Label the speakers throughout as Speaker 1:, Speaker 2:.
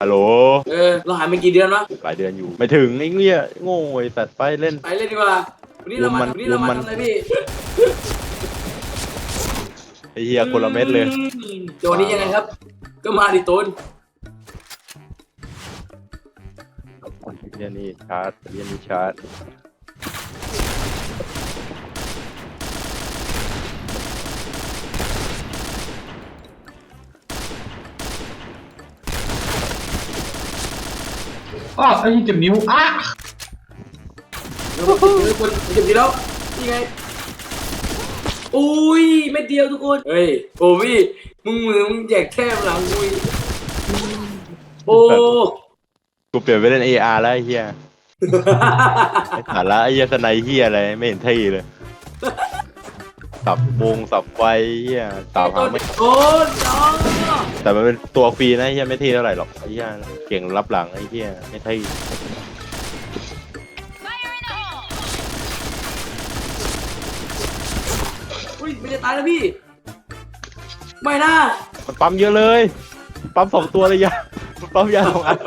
Speaker 1: ฮัลโหล
Speaker 2: เราหายไปกี่เดือนวะ
Speaker 1: หลายเดือนอยู่ไม่ถึงไอ้เงี้ยโง่ไอ้สัตว์ไปเล่น
Speaker 2: ดีกว่าวันนี้เรามาทำอะไรพี่
Speaker 1: ไอ้เหี้ยคนละเม็ดเลย
Speaker 2: โจนี้ยังไงครับก็มาดิตูน
Speaker 1: เหี้ยนี่ชาร์จเหี้ยนี่ชาร์จ
Speaker 3: อ้าวไอ้เจ็บนิ้ว
Speaker 2: เดี๋ยวคนเจ็บดีแล้วนี่ไงอุ้ยเม็ดเดียวทุกคนเฮ้ยโอ้พี่มึงแจกแค่หลังกูโอ้
Speaker 1: กูเปลี่ยนไปเล่น AR แล้วไอ้เหี้ยไอ้สาระไอ้เหี้ยสไนเหี้ยอะไรไม่เห็นที่เลยสับวงสับไฟเหี้ยสาวหางไม่
Speaker 2: โอ้น้อง
Speaker 1: แต่มันเป็นตัวฟรีนะไอ้เหี้ยไม่เท่เท่าไหร่หรอกไอ้เหี้ยเก่งรับหลังไอ้เหี้ยไม่เท่
Speaker 2: อุ้ยไม่ได้ตายแล้วพี่ไม่นะ
Speaker 1: มันปั๊มเยอะเลยปั๊ม2 ตัวเลยยาปั๊มยา2 อัน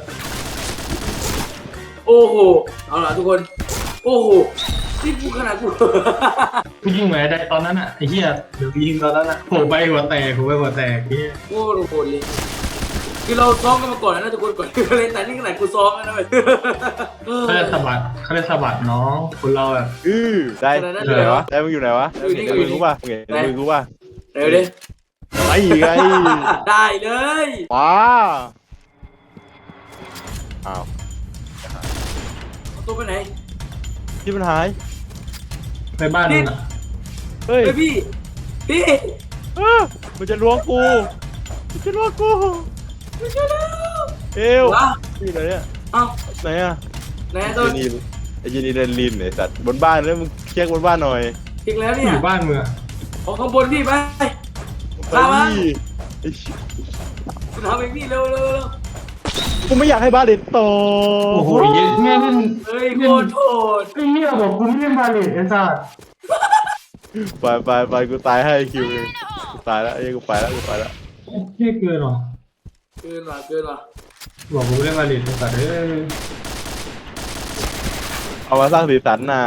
Speaker 2: โอ้โหเอาล่ะทุกคนโอ้โหที่กูขนาดกู
Speaker 3: ยิงแหวนได้ตอนนั้นอ่ะไอ้เหี้ยเดี๋ยวยิงตอนนั้นอ่ะโผล่ไปหัวแตกพี่
Speaker 2: โอ้โหเลยคือเราซ้อมกันมาก่อนนะทุกคนก่อนเล่นแต่นี่ขนาดกูซ้อมนะเว้ย
Speaker 3: เขาเรียกสะบัดน้องคนเราแบบ
Speaker 1: ได้อยู่ไหนวะได้มึงอยู่ไหนวะเห็นมือกูป่ะเห็นมือกูป่ะ
Speaker 2: เร็วดิ
Speaker 1: ไอ้ไง
Speaker 2: ได้เลย
Speaker 1: ว้าอ้าว
Speaker 2: ตัวไปไหน
Speaker 1: ที่มันหาย
Speaker 3: ในบ้านน่ะ
Speaker 2: เฮ้ยพี่
Speaker 1: มันจะล้วงกูมันจะล้วงกู
Speaker 2: ไม่ใช่แล้ว
Speaker 1: เอวที่ไหนเนี่ย
Speaker 2: อ้าว
Speaker 1: ไหนอะ
Speaker 2: ไหนตัว
Speaker 1: ไอ้ยีนี่เล่นลินไอ้สัตว์บนบ้านแล้วมึงเช็คบนบ้านหน่อย
Speaker 2: เช็คแล้วเนี่ย
Speaker 3: อยู่บ้านมึง
Speaker 2: ออกข้างบนพี่ไป
Speaker 1: ตามมา
Speaker 2: คุณทำเองพี่เร็ว
Speaker 1: กูไม่อยากให้บ้านเด็ดโต
Speaker 3: โอ้โหเงี้ย
Speaker 2: เฮ้ยโทษ
Speaker 3: ไอ้เหี้ยบอกกูไม่ได้มาเลยไอ้สัส
Speaker 1: ไปกูตายให้คิวเลยกูตายแล้วไอ้กูไปแล้ว
Speaker 3: เหี้ยเกินหรอ
Speaker 2: เกินว่ะ
Speaker 3: บอกกูไม่ได้มาเลยไอ้สัส
Speaker 1: เอามาสร้างสีสันน่ะ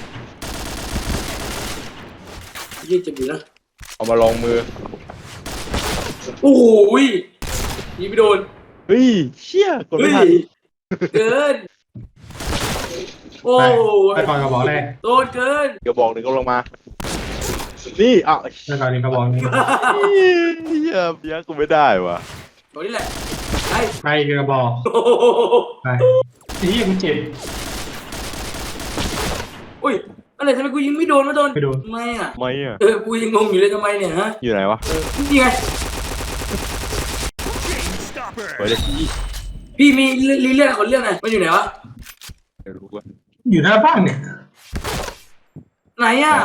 Speaker 2: ยี่เจ็บอยู่นะ
Speaker 1: เอามาลองมือ
Speaker 2: โอ้โหยิงไม่โดน
Speaker 1: เฮ้ยเชี่ยกดไม่ทัน
Speaker 2: เกินโอ้
Speaker 3: ไปก่อนกระบอกแรก
Speaker 2: โดนเกิน
Speaker 1: กระบอกหนึ่งก็ลงมานี่อ่ะ
Speaker 3: ไปก่อนกระบอกนึง
Speaker 1: เฮียยังกูไม่ได้ว่ะ
Speaker 2: ตัวนี้แหละ
Speaker 3: ไปกระบอกไปที่ยังเจ็บ
Speaker 2: อุ้ยอะไรทำไมกูยิงไม่โดนไม่อ่ะกูยังงงอยู่เลยทำไมเนี่ยฮะ
Speaker 1: อยู่ไหนวะ
Speaker 2: นี่ไงพี่มีเรื่องคนเรื่องไหนมันอยู่ไหนวะ
Speaker 3: อยู่หน้าบ้านเนี่ย
Speaker 2: ไหนอ่ะ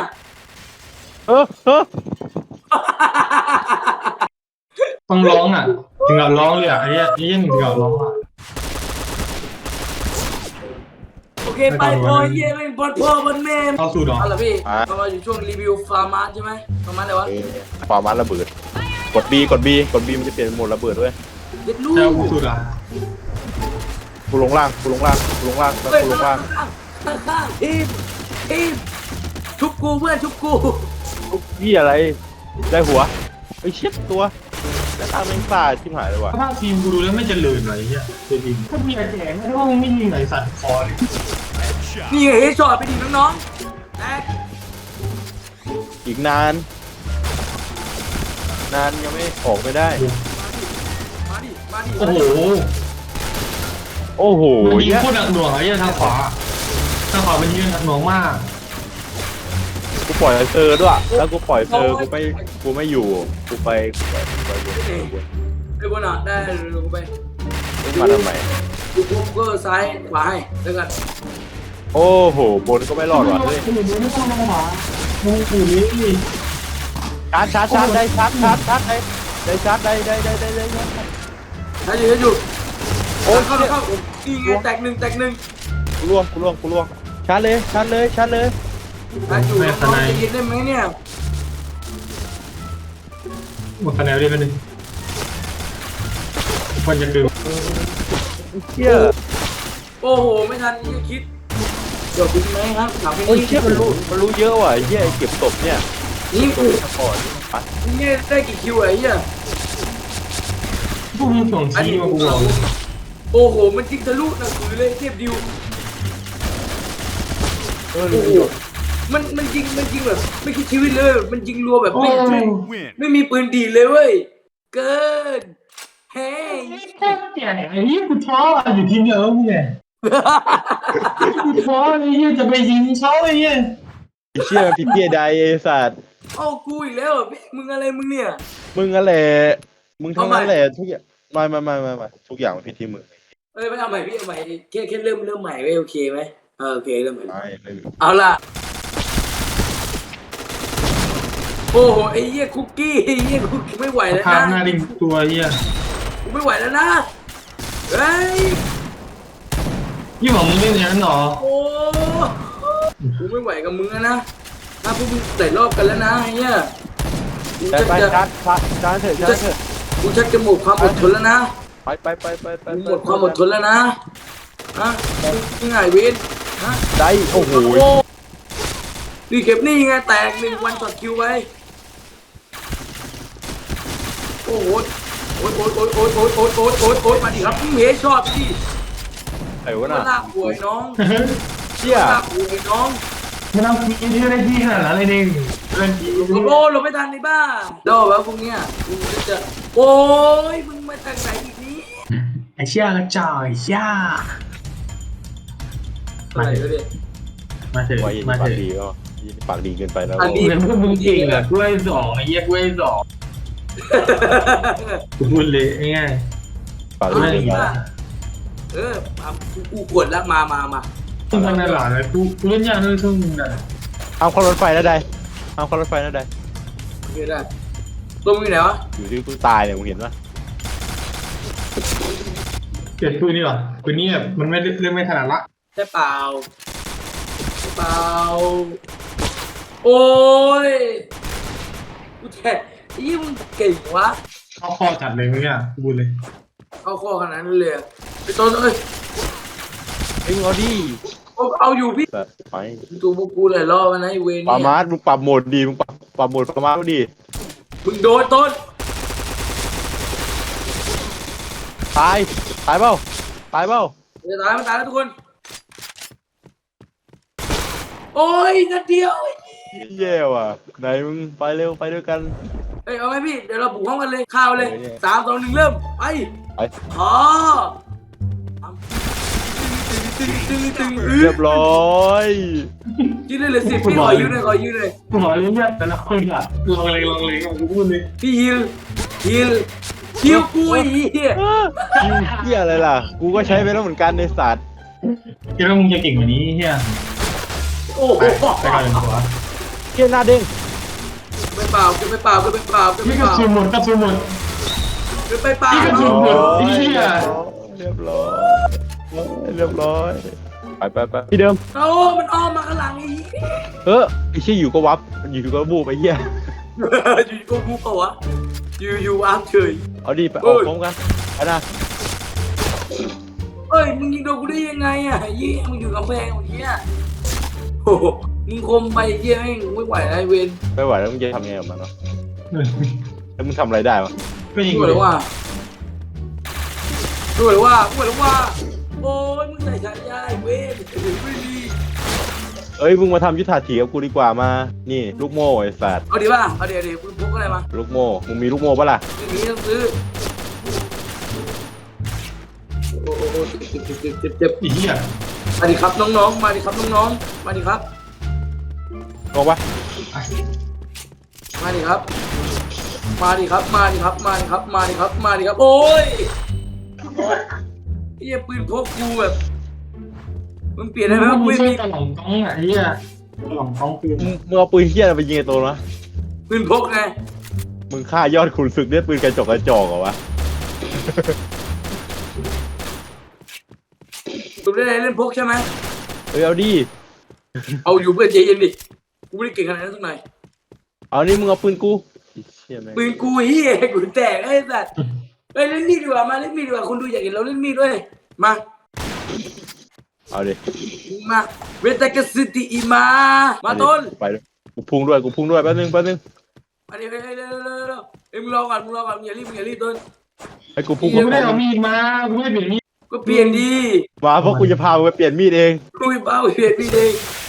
Speaker 3: ต้องร้องอ่ะถึงกับร้องเลยอ่ะไอ้ยังถึงกับร้องอ่ะ
Speaker 2: โอเคไปพอเย่ไม่บอลพ่อบอลแม่
Speaker 3: เข้าสู่ดอก
Speaker 2: อะไรพี่เรามาอยู่ช่วงรีวิวฟาร์มาร์ใช่ไหมฟาร์มาร์อะไรวะ
Speaker 1: ฟาร์มาร์ระเบิดกด B มันจะเปลี่ยนโหมดระเบิดด้วย
Speaker 3: เจ้ากูสุดอ่ะ
Speaker 1: กูลงล่าง
Speaker 2: ทีมชุบกูเพื่อนชุบกู
Speaker 1: พี่อะไรได้หัวไอ้เช็ดตัวแต่ตาแม่งตาชิบหายเลยว่ะ
Speaker 3: ถ้าทีมกูดูแล้วไม่เจริญเลยเฮียทีมถ้ามีอาแจงไม่ต้องไม่ยิงไหนสัตว์คอเลย
Speaker 2: นี่เฮ้ยช็อตไปดิน้อง
Speaker 1: อีกนานยังไม่ออกไม่ได้
Speaker 2: มาดิ
Speaker 1: โอ้โห
Speaker 3: ยิงโคตรหนักหน่วงไอ้ทางขวามันยิงหนักหน่วงมาก
Speaker 1: กูปล่อยเซอร์ด้วยแล้วกูปล่อยเซอร์กูไม่อยู่กูไป
Speaker 2: บนอ่ะได้กูไป
Speaker 1: มาทำไม
Speaker 2: กูก็ซ้ายขวาให้แล้วกัน
Speaker 1: โอ้โหบนก็ไม่รอดว่ะเลยชาร์จได้ชาร์จได้ชาร์จได้
Speaker 2: อยู่โอ้เข้าอีไงแตกหนึ่ง
Speaker 1: กูล่วงชาร์จเลย
Speaker 2: อยู่น้องจะยินได้ไหมเนี่ย
Speaker 3: หมดคะแนนได้ไหมเนี่ยคนจะดื่ม
Speaker 1: เชี่ย
Speaker 2: โอ้โหไม่ทันที่จะคิดเดี๋ยวคุณไหมครับถามแค่
Speaker 1: โอ้ย
Speaker 2: นี้
Speaker 1: เชี่ยมันรู้เยอะว่ะไอ้เหี้ยไอ้เก็บศพเนี่ย
Speaker 2: นี่กู
Speaker 1: ก่อนไป
Speaker 2: นี่ได้กี่คิวไอ้เหี้ย
Speaker 3: พวกมึงส่งชี้มากูบอก
Speaker 2: โอ้โหมันจริงทะลุหนังสือเลยเทพดิว
Speaker 1: เออ
Speaker 2: โอ้โหมันจริงแบบไม่คิดชีวิตเลยมันจริงรัวแบบ
Speaker 3: โอ้
Speaker 2: ไม่มีปืนดีเลยเว้ยเกินเฮ้ย
Speaker 3: ไอ้เหี้ยกูท้ออยู่ทีมเดียวมึงไงกูท้อไอ้เหี้ยจะไปยิงเขาไอ้เหี้ย
Speaker 1: ไอ้เชี่ยมันผิดเพี้ยใดไอ้สัตว์
Speaker 2: เอากูอีกแล้วพี่มึงอะไรมึงเนี่ย
Speaker 1: มึงนั่นแหละมึงทั้งนั้น
Speaker 2: เอาใหม่
Speaker 1: แหละทุกอย่างไม่ทุกอย่างมันผิดที่มึง
Speaker 2: เอ้ยไม่เอาใหม่พี่เอาใหม่แค่เริ่มใหม่ไว้โอเคไหมโอเคเริ่มใหม่
Speaker 1: ไม่
Speaker 2: เอาล่ะโอ้โหไอ้เหี้ยคุกกี้ไอ้เหี้ยคุกกี้ไม่ไหวแล้ว
Speaker 3: ภาพห
Speaker 2: นะ
Speaker 3: น้าดิ่งตัวเหี้ย
Speaker 2: กูไม่ไหวแล้วนะเฮ้ย
Speaker 3: ยี่หว่ามึงเล่นอย่างนั้นเหรอ
Speaker 2: โอ้กูไม่ไหวกับมึงแล้วนะถ้าพวกมึงใส่รอบกันแล้วนะไอ้เหี้ยกู
Speaker 1: ไป
Speaker 2: ชัก
Speaker 1: ไป
Speaker 2: จะ
Speaker 1: ชาร์จเถอะ
Speaker 2: กูชักจะหมดความอดทนแล้วนะ
Speaker 1: ไป
Speaker 2: กูหมดความอดทนแล้วนะฮะมึงไงเวนฮะ
Speaker 1: ได้โอ้โห
Speaker 2: นี่เก็บนี่ไงแตก1 วันต่อคิวไว้โอ้โหโอ๊ยมาดิครับพี่เมย์ชอบพี่
Speaker 1: ไอ้วะ
Speaker 2: มา
Speaker 1: น่ะ
Speaker 2: ลากป่วยน้อง
Speaker 1: เชี่ย
Speaker 2: ลากป่วยน้อง
Speaker 3: มันเอาทีมที่ได้ที่ขนาดนั้นเลยดิเล่นทีม
Speaker 2: โอ้โหเราไม่ทันในบ้าดอกแล้วพวกเนี้ยมึงจะโอ้ยมึงมาจากไหนอีกนี้
Speaker 3: ไอ้เชี่ยกระจอกไอ้เชี่ย
Speaker 2: อะไรวะเนี่ย
Speaker 3: มาเถอะ
Speaker 1: ไว้ยิน
Speaker 3: มา
Speaker 1: ปา
Speaker 3: เถ
Speaker 1: ก
Speaker 3: อะ
Speaker 1: ดีก็ยินปากดีเกินไปแล้ว
Speaker 2: อันนี้
Speaker 3: เหมือนพวกมึงเก่งอะกล้วยสองไอ้เหี้ยกล้วยสองกูพูดเลยง่าย
Speaker 1: ปาก
Speaker 3: ๆ
Speaker 1: ดี
Speaker 3: ไม่
Speaker 1: เกิน
Speaker 3: ได้
Speaker 1: ไป
Speaker 2: กูกดแล้วมา
Speaker 3: มึงทำในหลานเลยกูเล่นยากเลยช่วงมึงน่ะ
Speaker 1: เอาเข้ารถไฟนะได้เอาเข้ารถไฟนะได้
Speaker 2: โอเคได้ตัวมึงอยู่ไหนวะ
Speaker 1: อยู่ที่กูตายเนี่ยมึงเห็นปะ
Speaker 3: เปลี่ยนปืนนี่หรอปืนนี้แบบมันไม่เล่นไม่ถนัดละ
Speaker 2: ใช่เปล่าโอ้ยกูแทะยี่มึงเก่งวะ
Speaker 3: เข้าคอจัดเลยมึงอ่ะกูพูดเลย
Speaker 2: เข้าข้อขนาดนั้นเลยไอ้ต้นเอ้ย
Speaker 1: เอ็งเอาดิ
Speaker 2: เอาอยู่พี่
Speaker 1: แบบไป
Speaker 2: ตัวพวกกูหลายรอบแล้วนะไอ้เวร
Speaker 1: ปา
Speaker 2: เนี่ย
Speaker 1: มาร์มึงปรับโหมดดีมึงปรับโหมดปามาร์ดี
Speaker 2: มึงโดนต้น
Speaker 1: ตายเปล่า
Speaker 2: จะตายมันตายแล้วทุกคนโอ้ยนัดเดียว
Speaker 1: แย่ว่ะไหนมึงไปเร็วไปด้วยกัน
Speaker 2: เอ้ยเอาไหมพี่เดี๋ยวเราบุกห้องกันเลยข้าวเลย
Speaker 1: เออเนี่ย
Speaker 2: 3 2 1เริ่มไป
Speaker 1: ไป
Speaker 2: อ๋อตึง
Speaker 1: เรียบร้อย
Speaker 2: ยืดเลย10พี่ขอยืดเลย
Speaker 3: กูขอเล่นยากแต่ละคนอ่ะลองเลยกูพูดเลย
Speaker 2: พี่ฮิลกูไอ้เหี้ย
Speaker 1: เหี้ยอะไรล่ะกูก็ใช้ไปแล้วเหมือนกันในสัตว์
Speaker 3: คิดว่ามึงจะเก่งกว่านี้เฮีย
Speaker 2: โอ้โห
Speaker 3: ไปก่อนเลยหัว
Speaker 1: เหี้ยหน้าเด้ง
Speaker 2: ไม่เปล่า
Speaker 3: นี่กระสุนหมด
Speaker 2: ไปเปล่า
Speaker 3: นี่ก็ถูก เหี้ย
Speaker 1: เรียบร้อยไปที่เดิม
Speaker 2: โอ้มันอ้อมมาข้างหลังไอ้เหี้ย
Speaker 1: ไอ้เชี่ยอยู่ก็วับอยู่ก็บูบไอ้เหี้ย
Speaker 2: อยู่กูกูเปล่าวะอยู่อาร์มเฉย
Speaker 1: เอาดิไป
Speaker 2: เอ้
Speaker 1: ออก
Speaker 2: ย
Speaker 1: พร้อมกันไปนะ
Speaker 2: เอ้ยมึงยิงโดนกูได้ยังไงอ่ะยี่มึงอยู่กำแพงเหี้ยโอ้โหมึงคมไปเหี้ยแม่งไม่ไหวไอ้เวน
Speaker 1: ไม่ไหวแล้วมึงจะทำยังไงกับมันวะแล้วมึงทำอะไรได้วะ
Speaker 3: ก็ยิง
Speaker 2: ดู
Speaker 3: เล
Speaker 2: เลย ยว่าโอ้ยมึงใส่ฉายาไอ้เวนไม่ดี
Speaker 1: เอ้ยมึงมาทำยุทธาถีกับกูดีกว่ามานี่ลูกโม่ไอ้สัตว์
Speaker 2: เอาดีป่ะเอาเดี๋ยวมึงพกอะไรมา
Speaker 1: ลูกโม่มึงมีลูกโม่ปะล่ะ
Speaker 2: ไม่มีต้องซื้อโอ้โหเจ็บ
Speaker 3: ไอ้เหี้ย
Speaker 2: มาดิครับน้องๆมาดิครับน้องๆมาดิครับ
Speaker 1: งงปะ
Speaker 2: มาดิครับ โอ้ยเฮียปืนพกกูแบบมึงเปลี่ยนได้ไหม
Speaker 3: มึง
Speaker 2: ไม่
Speaker 3: ช่ว
Speaker 2: มี
Speaker 3: ยตะหล่องกองอ่ะไอ้เหี้ยตะหล่องกองปืน
Speaker 1: มึงเอาปืนเหี้ยอะไรไปยิงไอ้ตัวนะ
Speaker 2: ปืนพกไง
Speaker 1: มึงฆ่ายอดขุนศึกด้วยปืนกระจอกเหรอวะ
Speaker 2: ตัวได้เล่นพกใช่ไหม
Speaker 1: เอ้ยเอาดิ
Speaker 2: เอาอยู่เพื่อนใจเย็นดิกูไม่ได้เก่งขนาดนั้นสักหน่อย
Speaker 1: เอานี่มึงเอาปืนกูไอ้เชี่ยแม่ง
Speaker 2: ปืนกูเฮียกูแตกไอ้สัตว์เฮ้ยเล่นมีดดีกว่ามาเล่นมีดดีกว่าคุณดูอยากเห็นเราเล่นมีดด้วยมา
Speaker 1: เอาดิ
Speaker 2: มาเวทกสิติอีมาต้น
Speaker 1: ไปด้วยกูพุ่งด้วยแป๊บนึง
Speaker 2: มาดิเร็วเอ้ยมึงรอก่อนมึงอย่ารีบต้น
Speaker 1: ให้กูพุ่ง
Speaker 3: กูไม่ได้เอามีดมากูไม่ได้เปลี่ยนมีด
Speaker 2: ก็เปลี่ยนดี
Speaker 1: มาเพราะกูจะพามึงไปเปลี่ยนมีดเอง
Speaker 2: คุยเบ้าเปลี่ยนดีเอง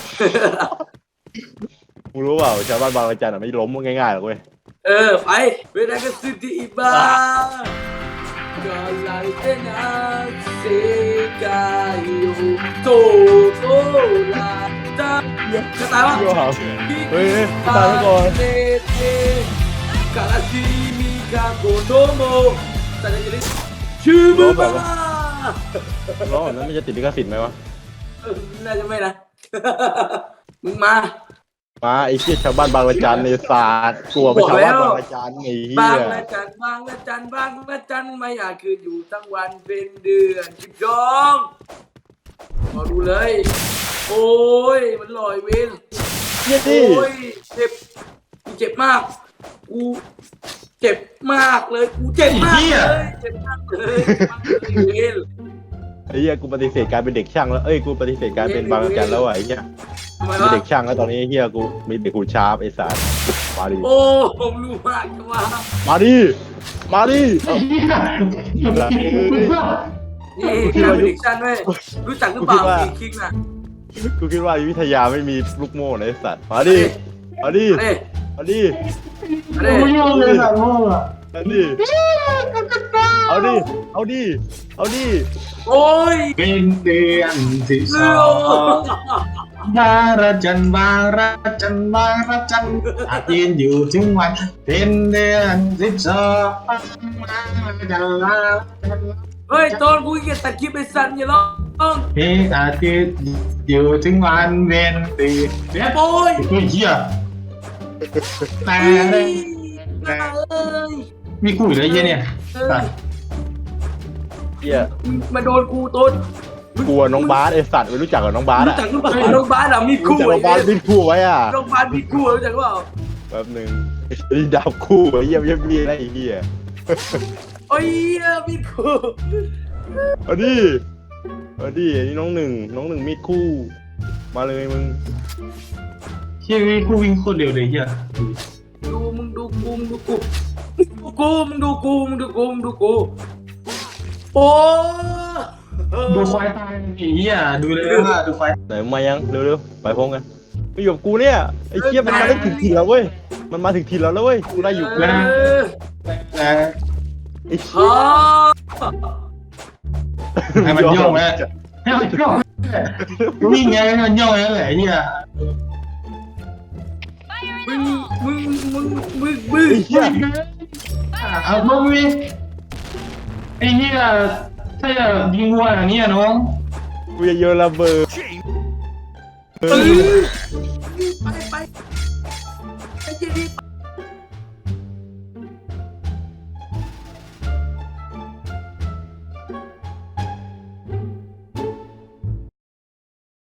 Speaker 1: มึงรู้เปล่าชาวบ้านบางระจันไม่ล้มง่ายๆหรอกเว้ย
Speaker 2: ไปเวทกสิติอีมาก็ไล่เต้นอาเซกายโตโตลาตาจะตายวะ
Speaker 1: เฮ้ยตายแล้วก่อน
Speaker 2: กาลาซิมิกาโกโตโมแต่จะได้ชื่อมึงมา
Speaker 1: ร้องแบบนั้นมันจะติดลิขสิทธิ์ไหมวะ
Speaker 2: น่าจะไม่นะ มึงมา
Speaker 1: มาไอ้เหี้ยชาวบ้านบางระจันในศาสตร์กลัวไปชาวบ้านบางระจันไอ้เหี้
Speaker 2: บาง
Speaker 1: ย
Speaker 2: ละจันบางละจันบางละจันไม่อยากคืนอยู่ทั้งวันเป็นเดือน12มาดูเลย โอ้ยมันลอยเว้น
Speaker 1: เหี้ย
Speaker 2: โอ้
Speaker 1: ดิ
Speaker 2: ยเจ็บมากกูเจ็บมากเลยกูเจ็บมากเลยเจ็บมากเลยเว้น
Speaker 1: ไอ้เหี้ยกูปฏิเสธการเป็นเด็กช่างแล้วเอ้ยกูปฏิเสธการเป็นบางระจันแล้วอ่ะไอ้เหี้ย
Speaker 2: ทำไม
Speaker 1: มี
Speaker 2: วะ
Speaker 1: เด็กช่างแล้วตอนนี้ไอ้เหี้ยกูมีเด็กหูชาร์ปไอ้สัสมาดิ
Speaker 2: โอ้ผมรู้มากจังวะ
Speaker 1: มาดิมาดิ
Speaker 3: ไอ้เหี้ย
Speaker 2: นี่การเป็นเด็กชันเว้ยรู้จักหรือเปล่ามีคิงน่ะ
Speaker 1: กูคิดว่าวิทยาไม่มีลูกโม่นะไอ้สัสมาดิมาดิ
Speaker 2: เอ้ย
Speaker 1: มาดิ
Speaker 2: เอ้ย
Speaker 3: กูไม่ยอมเลยสัตว์โง่อะ
Speaker 1: มาดิเอาดิเอาดิเอาดิ
Speaker 2: โอ้ย
Speaker 3: เป็นเดือนที่ส
Speaker 2: เร็
Speaker 3: อ
Speaker 2: ว
Speaker 3: งบางระจันอาจยืนอยู่ถึงวันเป็นเดือน12บางระจันลา
Speaker 2: เฮ้ยตอนกูเกียตัดคลิปไอ้สันอย่าร้อง
Speaker 3: เพลงอาทิตย์อยู่ถึงวันเวนตี
Speaker 2: แม่โป้ย
Speaker 3: เฮ้ยเหี้ยแต่
Speaker 2: เอ้ยเอ้ย
Speaker 3: มีกูอยู่แล้วเหี้ยเนี่ย
Speaker 1: เหี้ย
Speaker 2: มาโดนกูต้น
Speaker 1: กลัวน้องบาสไอ้สัตว์ไม่รู้จักกับน้องบาส
Speaker 2: รู้
Speaker 1: อ่ะ
Speaker 2: จักหรือเปล่าน้องบาสมี
Speaker 1: รู้
Speaker 2: คู่
Speaker 1: จักน้องบาสบินคู่ไว้อ่ะ
Speaker 2: น้องบาสมีคู่รู้จักหรือเปล่า
Speaker 1: แป๊บนึงนี่ดาวคู่ไอ้เหี้ยมีอะไรไอ้เหี้ย
Speaker 2: โอ้ยมีคู่
Speaker 1: เอาดิเอาดิอันนี้น้องหนึ่งมีดคู่ มาเลยมึง
Speaker 3: เชี่ยกูวิ่งโคตรเร็วเลยเหี้ย
Speaker 2: มึงดูกูโอ้
Speaker 3: ดูควายตายไอ้เหี้ยดูเลยว่าดูควาย
Speaker 1: ไหนมายังเร็วๆไปพร้อมกันไปอยู่กับกูเนี่ยไอ้เหี้ยมันมาได้ถึงทีแล้วเว้ยมันมาถึงทีแล้วเว้ยกูได้อยู่กูได้อยู่
Speaker 3: นะ
Speaker 1: ไอ้เหี้
Speaker 2: ฮ่าย
Speaker 3: ให้มันโยกไหมให้มันโยกวิ่งไงให้มันโยกนั่นแหละไอ้เหี้ย
Speaker 2: มึง
Speaker 1: ไอ้เหี้ย
Speaker 3: เอาพวกวิ่งไอ้เหี้ยถ้าจะยิงวัวอย่างนี้น้อง
Speaker 1: กูจะโยนระเบิด
Speaker 2: เอ้ย